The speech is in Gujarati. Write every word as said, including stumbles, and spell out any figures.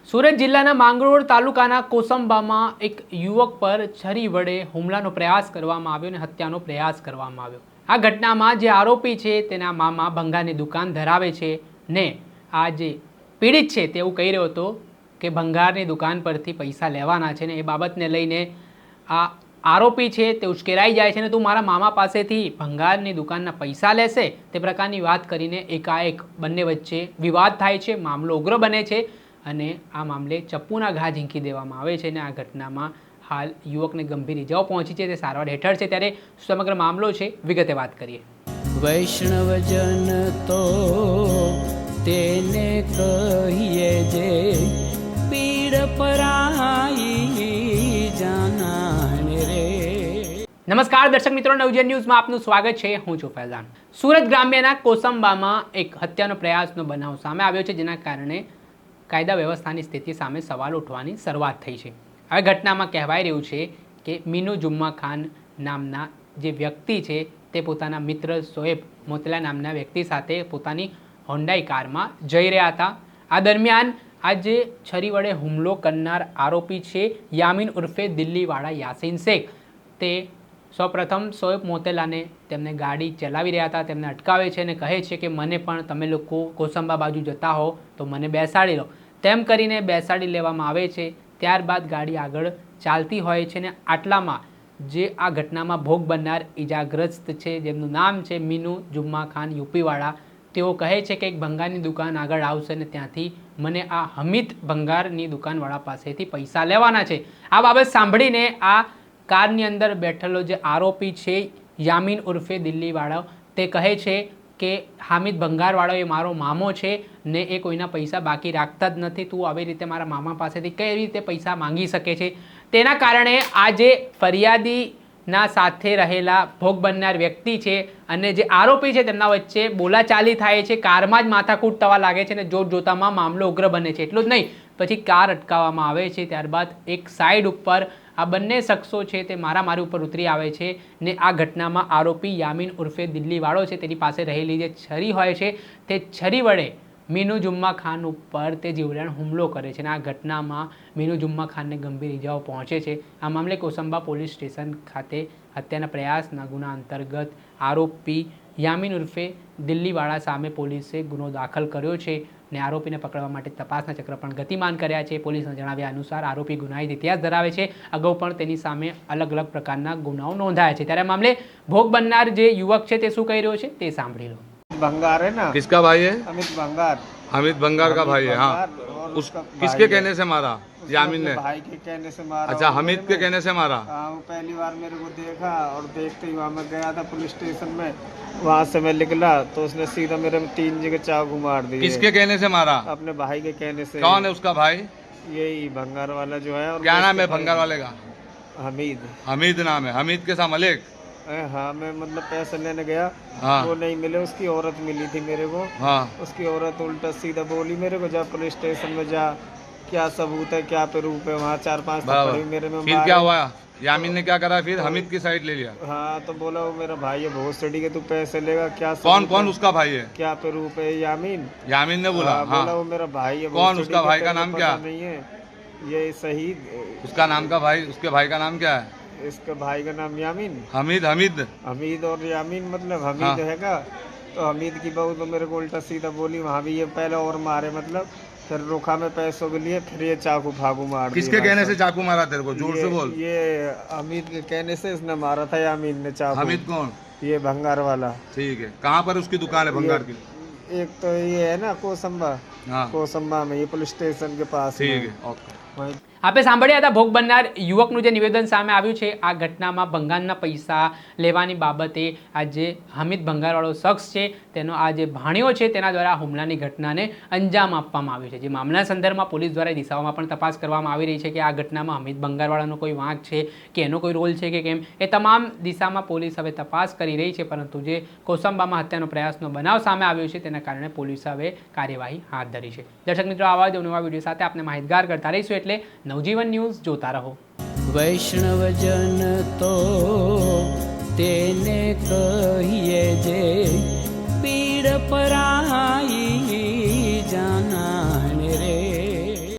સુરત જિલ્લાના માંગરોળ તાલુકાના કોસંબામાં એક યુવક પર છરી વડે હુમલાનો પ્રયાસ કરવામાં આવ્યો અને હત્યાનો પ્રયાસ કરવામાં આવ્યો। આ ઘટનામાં જે આરોપી છે તેના મામા ભંગારની દુકાન ધરાવે છે ને આ જે પીડિત છે તેવું કહી રહ્યો હતો કે ભંગારની દુકાન પરથી પૈસા લેવાના છે ને એ બાબતને લઈને આ આરોપી છે તે ઉશ્કેરાઈ જાય છે ને તું મારા મામા પાસેથી ભંગારની દુકાનના પૈસા લેશે તે પ્રકારની વાત કરીને એકાએક બંને વચ્ચે વિવાદ થાય છે, મામલો ઉગ્ર બને છે અને આ મામલે ચપ્પુના ઘા ઝીંકી દેવામાં આવે છે અને આ ઘટનામાં હાલ યુવકને ગંભીર ઇજાઓ પહોંચી છે, તે સારવાર હેઠળ છે। ત્યારે સમગ્ર મામલો છે, વિગતે વાત કરીએ। વૈષ્ણવજન તો તેને કહીએ જે પીડ પરાઈ જાનાને રે। નમસ્કાર દર્શક મિત્રો, નવજીવન ન્યૂઝમાં આપનું સ્વાગત છે। હું છું ફૈઝાન। સુરત ગ્રામ્યના કોસંબામાં એક હત્યાનો પ્રયાસનો બનાવ સામે આવ્યો છે, જેના કારણે કાયદા વ્યવસ્થાની સ્થિતિ સામે સવાલ ઉઠવાની શરૂઆત થઈ છે। આ ઘટનામાં કહેવાય રહ્યું છે કે મીનુ જુમ્મા ખાન નામના જે વ્યક્તિ છે તે પોતાના મિત્ર શોએબ મોતલા નામના વ્યક્તિ સાથે પોતાની હોન્ડાઈ કારમાં જઈ રહ્યા હતા। આ દરમિયાન આ જે છરી વડે હુમલો કરનાર આરોપી છે યામીન ઉર્ફે દિલ્હીવાળા યાસીન શેખ, તે સૌપ્રથમ શોએબ મોતેલાને તેમને ગાડી ચલાવી રહ્યા હતા તેમને અટકાવે છે અને કહે છે કે મને પણ તમે લોકો કોસંબા બાજુ જતા હો તો મને બેસાડી લો, તેમ કરીને બેસાડી લેવામાં આવે છે। ત્યારબાદ ગાડી આગળ ચાલતી હોય છે ને આટલામાં જે આ ઘટનામાં ભોગ બનનાર ઈજાગ્રસ્ત છે, જેમનું નામ છે મીનુ જુમ્મા ખાન યુપીવાળા, તેઓ કહે છે કે એક ભંગારની દુકાન આગળ આવશે ને ત્યાંથી મને આ હમીદ ભંગારની દુકાનવાળા પાસેથી પૈસા લેવાના છે। આ બાબત સાંભળીને આ કારની અંદર બેઠેલો જે આરોપી છે યામીન ઉર્ફે દિલ્હીવાળો, તે કહે છે કે હામિદ ભંગારવાળો એ મારો મામો છે ને એ કોઈના પૈસા બાકી રાખતા જ નથી, તું આવી રીતે મારા મામા પાસેથી કઈ રીતે પૈસા માંગી શકે છે। તેના કારણે આ જે ફરિયાદીના સાથે રહેલા ભોગ બનનાર વ્યક્તિ છે અને જે આરોપી છે તેમના વચ્ચે બોલાચાલી થાય છે, કારમાં જ માથાકૂટ થવા લાગે છે અને જોત જોતામાં મામલો ઉગ્ર બને છે। એટલું જ નહીં, પછી કાર અટકાવવામાં આવે છે, ત્યારબાદ એક સાઈડ ઉપર આ બંને શખ્સો છે તે મારામારી ઉપર ઉતરી આવે છે ને આ ઘટનામાં આરોપી યામીન ઉર્ફે દિલ્હીવાળો છે તેની પાસે રહેલી જે છરી હોય છે તે છરી વડે મીનુ જુમ્મા ખાન ઉપર તે જીવલેણ હુમલો કરે છે અને આ ઘટનામાં મીનુ જુમ્મા ખાનને ગંભીર ઇજાઓ પહોંચે છે। આ મામલે કોસંબા પોલીસ સ્ટેશન ખાતે હત્યાના પ્રયાસના ગુના અંતર્ગત આરોપી યામીન ઉર્ફે દિલ્હીવાળા સામે પોલીસે ગુનો દાખલ કર્યો છે ને આરોપીને પકડવા માટે તપાસના ચક્ર પણ ગતિમાન કર્યા છે। પોલીસના જણાવ્યા અનુસાર આરોપી ગુનાહિત ઇતિહાસ ધરાવે છે, અગાઉ પણ તેની સામે અલગ અલગ પ્રકારના ગુનાઓ નોંધાયા છે। ત્યારે મામલે ભોગ બનનાર જે યુવક છે તે શું કહી રહ્યો છે તે સાંભળી લો। भंगार है ना, किसका भाई है? अमित भंगार। अमित भंगार का भाई है। हाँ, उस किसके कहने से मारा? यामीन ने? भाई के कहने से मारा। अच्छा, हमीद के कहने से मारा? हाँ, वो पहली बार मेरे को देखा और देखते ही वहाँ मैं गया था पुलिस स्टेशन में, वहाँ से मैं निकला तो उसने सीधा मेरे तीन जगह चाकू मार दिए। किसके कहने से मारा? अपने भाई के कहने से। कौन है उसका भाई? यही भंगार वाला जो है। और क्या नाम है भंगार वाले का? हमीद। हमीद नाम है। हमीद के साथ मलिक? हाँ, मैं मतलब पैसे लेने गया, हाँ। वो नहीं मिले, उसकी औरत मिली थी मेरे को। हाँ। उसकी औरत उल्टा सीधा बोली मेरे को, जा पुलिस स्टेशन में जा, क्या सबूत है, क्या प्रूफ है, वहाँ चार पांच थप्पड़ मेरे में। फिर क्या हुआ? यामीन ने क्या करा फिर? हमीद की साइड ले लिया? हाँ, तो बोला वो मेरा भाई है बहुत सड़ी के, तू पैसे लेगा, क्या कौन कौन उसका भाई है? क्या प्रूफ है? यामीन। यामीन ने बोला? हाँ, हाँ। बोला वो मेरा भाई है। कौन उसका भाई का नाम क्या? नहीं है ये शहीद। उसका नाम का भाई, उसके भाई का नाम क्या है? इसके भाई का नाम यामीन। हमीद। हमीद हमीद और यामीन मतलब हमीद है का, तो हमीद की बहू तो मेरे को उल्टा सीधा बोली, वहाँ भी ये पहले और मारे, मतलब फिर रोका में पैसों के लिए, फिर ये चाकू फाकू मार। किसके कहने से चाकू मारा तेरे को? जोर से बोल। ये हमीद के कहने से इसने मारा था यामीन ने चाकू। हमीद कौन? ये भंगार वाला। ठीक है, कहाँ पर उसकी दुकान है भंगार की? एक तो ये है ना कोसंबा। हाँ। कोसंबा में, ये पुलिस स्टेशन के पास। ठीक है, ओके। આપણે સાંભળ્યા હતા ભોગ બનનાર યુવકનું જે નિવેદન સામે આવ્યું છે। આ ઘટનામાં ભંગારના પૈસા લેવાની બાબતે આ જે હમીદ ભંગારવાળો શખ્સ છે તેનો આ જે ભાણિયો છે તેના દ્વારા હુમલાની ઘટનાને અંજામ આપવામાં આવ્યું છે। જે મામલા સંદર્ભમાં પોલીસ દ્વારા દિશાઓમાં પણ તપાસ કરવામાં આવી રહી છે કે આ ઘટનામાં હમીદ ભંગારવાળાનો કોઈ વાંક છે કે એનો કોઈ રોલ છે કે કેમ, એ તમામ દિશામાં પોલીસ હવે તપાસ કરી રહી છે। પરંતુ જે કોસંબામાં હત્યાનો પ્રયાસનો બનાવ સામે આવ્યો છે તેના કારણે પોલીસે હવે કાર્યવાહી હાથ ધરી છે। દર્શક મિત્રો, આવા જ નવા વિડીયો સાથે આપણે માહિતગાર કરતા રહીશું, એટલે નવજીવન ન્યૂઝ જોતા રહો। વૈષ્ણવજન તો તેને કહીએ જે પીડ પરાઈ